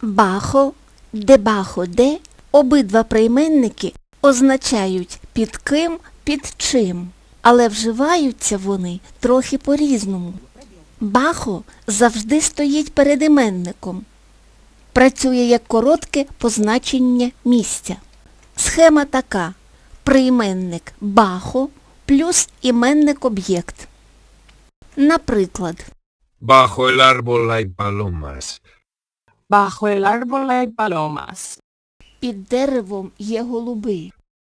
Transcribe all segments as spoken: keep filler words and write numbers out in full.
Бахо, дебахо де обидва прийменники означають під ким, під чим, але вживаються вони трохи по-різному. Бахо завжди стоїть перед іменником. Працює як коротке позначення місця. Схема така. Прийменник бахо плюс іменник-об'єкт. Наприклад, Bajo el árbol hay palomas. Bajo el árbol hay palomas. під деревом є голуби.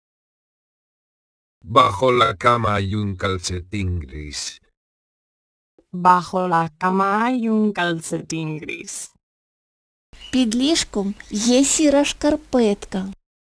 Bajo la cama hay un calcetín gris. Bajo la cama hay un calcetín gris. Під ліжком є сіра шкарпетка.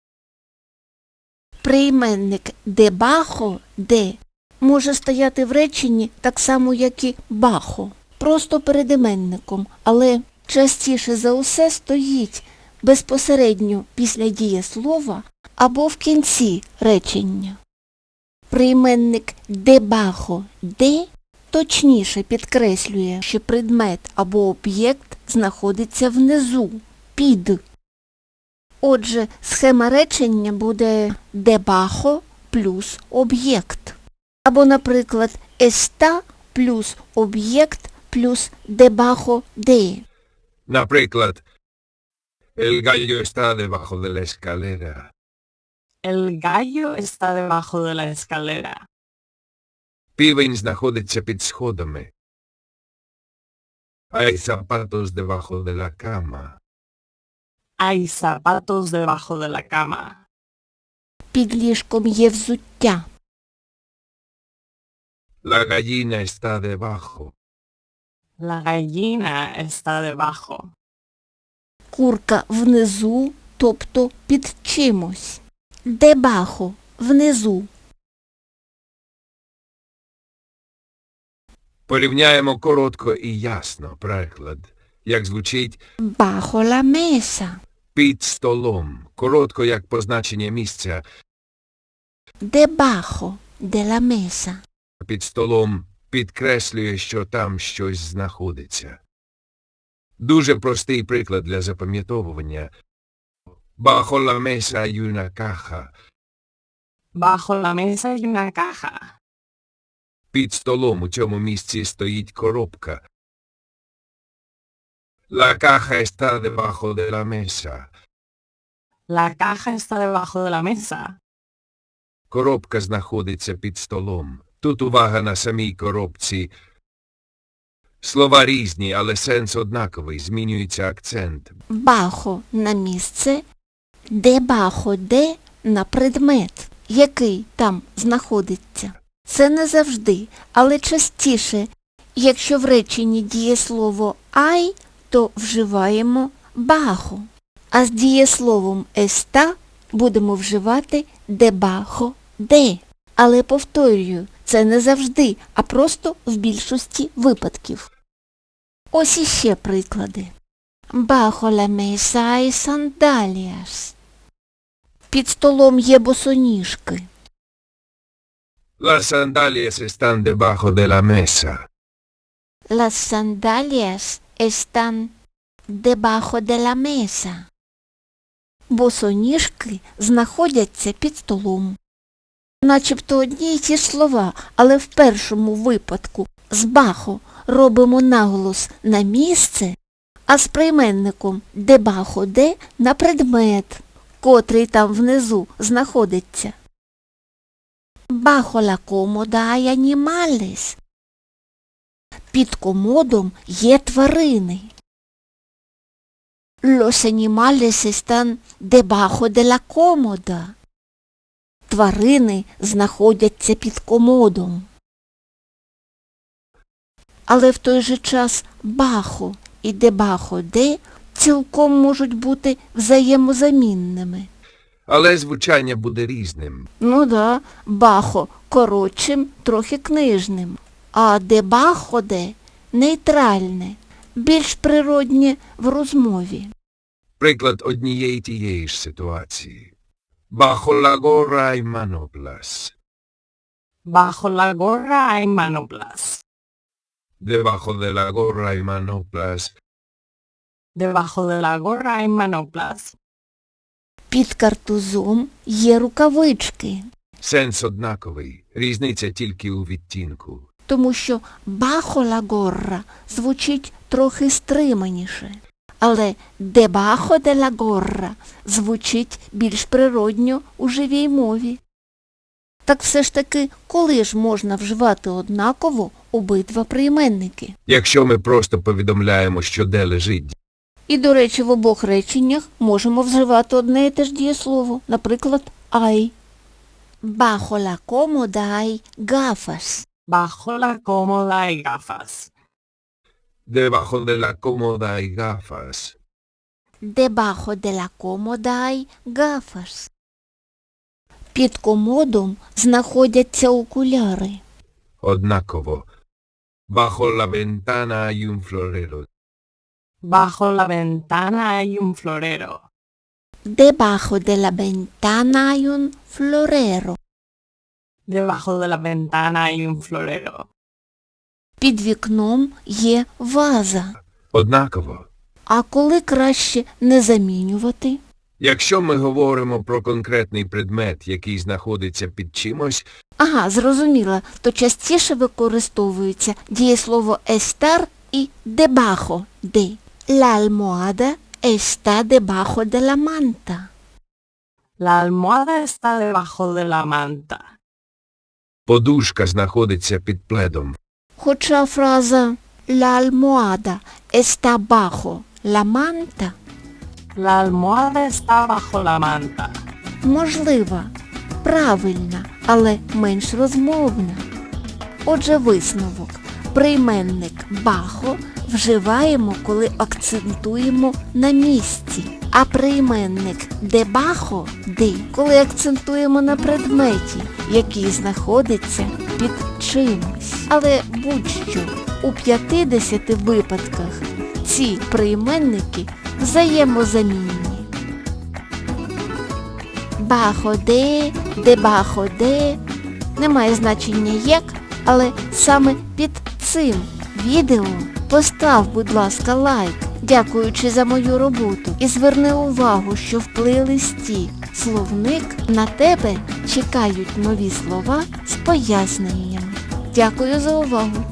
Прийменник дебахо, де, може стояти в реченні так само, як і бахо, просто перед іменником, але частіше за усе стоїть безпосередньо після дієслова або в кінці речення. Прийменник дебахо, де точніше підкреслює, що предмет або об'єкт знаходиться внизу, під. Отже, схема речення буде дебахо плюс об'єкт. Або, наприклад, еста плюс об'єкт плюс дебахо де. Наприклад, el gallo está debajo de la escalera. El gallo está debajo de la escalera. Півень знаходиться під сходами. Hay zapatos debajo de la cama. Hay zapatos debajo de la cama. Під ліжком є взуття. La gallina está debajo. La gallina está debajo. Курка внизу, тобто під чимось. Дебахо – внизу. Порівняємо коротко і ясно приклад, як звучить Бахо ла меса. під столом, коротко як позначення місця. Дебахо де ла меса. Під столом підкреслює, що там щось знаходиться. Дуже простий приклад для запам'ятовування. Bajo la mesa hay una caja. Bajo la mesa hay una caja. Під столом у цьому місці стоїть коробка. La caja está debajo de la mesa. La caja está debajo de la mesa. Коробка знаходиться під столом. Тут увага на самій коробці. Слова різні, але сенс однаковий, змінюється акцент. Бахо на місце, дебахо де на предмет, який там знаходиться. Це не завжди, але частіше, якщо в реченні дієслово «ай», то вживаємо «бахо», а з дієсловом «еста» будемо вживати «дебахо де». Але, повторюю, це не завжди, а просто в більшості випадків. Ось іще приклади. Bajo la mesa hay sandalias. Під столом є босоніжки. Las sandalias están debajo de la mesa. Las sandalias están debajo de la mesa. Босоніжки знаходяться під столом. Начебто одні й ті ж слова, але в першому випадку з бахо робимо наголос на місце, а з прийменником дебахо де на предмет, котрий там внизу знаходиться. Bajo la cómoda hay animales. Під комодом є тварини. Los animales están debajo de la cómoda. Тварини знаходяться під комодом. Але в той же час бахо і дебахо де цілком можуть бути взаємозамінними. Але звучання буде різним. Ну да, бахо коротшим, трохи книжним, а дебахо де нейтральне, більш природнє в розмові. Приклад однієї тієї ж ситуації. Bajo la gorra hay manoplas. Bajo la gorra hay manoplas. Debajo de la gorra hay manoplas. Debajo de la gorra hay manoplas. Під картузом є рукавички, Сенс однаковий, різниця тільки у відтінку. тому що «бахо ла горра» звучить трохи стриманіше, але «дебахо де ла горра» звучить більш природньо у живій мові. Так все ж таки, коли ж можна вживати однаково обидва прийменники? Якщо ми просто повідомляємо, що де лежить, І, до речі, в обох реченнях можемо вживати одне і те ж дієслово, наприклад, «ай». «Бахо ла комода ай гафас». Bajo la cómoda hay gafas. debajo de la cómoda hay gafas. Дебахо де ла комода ай гафас. Під комодом знаходяться окуляри. Однаково. Bajo la ventana hay un florero. Bajo la ventana hay un florero. Дебахо де ла вентана ай un florero. Debajo de la ventana hay un florero. Під вікном є ваза. Однаково. А коли краще не замінювати? Якщо ми говоримо про конкретний предмет, який знаходиться під чимось, Ага, зрозуміла, то частіше використовується дієслово estar і debajo de. La almohada está debajo de la manta. La almohada está debajo de la manta. подушка знаходиться під пледом. Хоча фраза la almohada está bajo la manta La almohada está bajo la manta. можлива, правильна, але менш розмовна. Отже, висновок. Прийменник «бахо» вживаємо, коли акцентуємо на місці, а прийменник «дебахо» «ди», коли акцентуємо на предметі, який знаходиться під чимось. Але будь-що, у п'ятдесяти випадках ці прийменники взаємозамінні. Бахо де, дебахо де, немає значення як, але саме під цим відео постав, будь ласка, лайк, дякуючи за мою роботу, і зверни увагу, що в плейлисті «Словник» на тебе чекають нові слова з поясненнями. Дякую за увагу!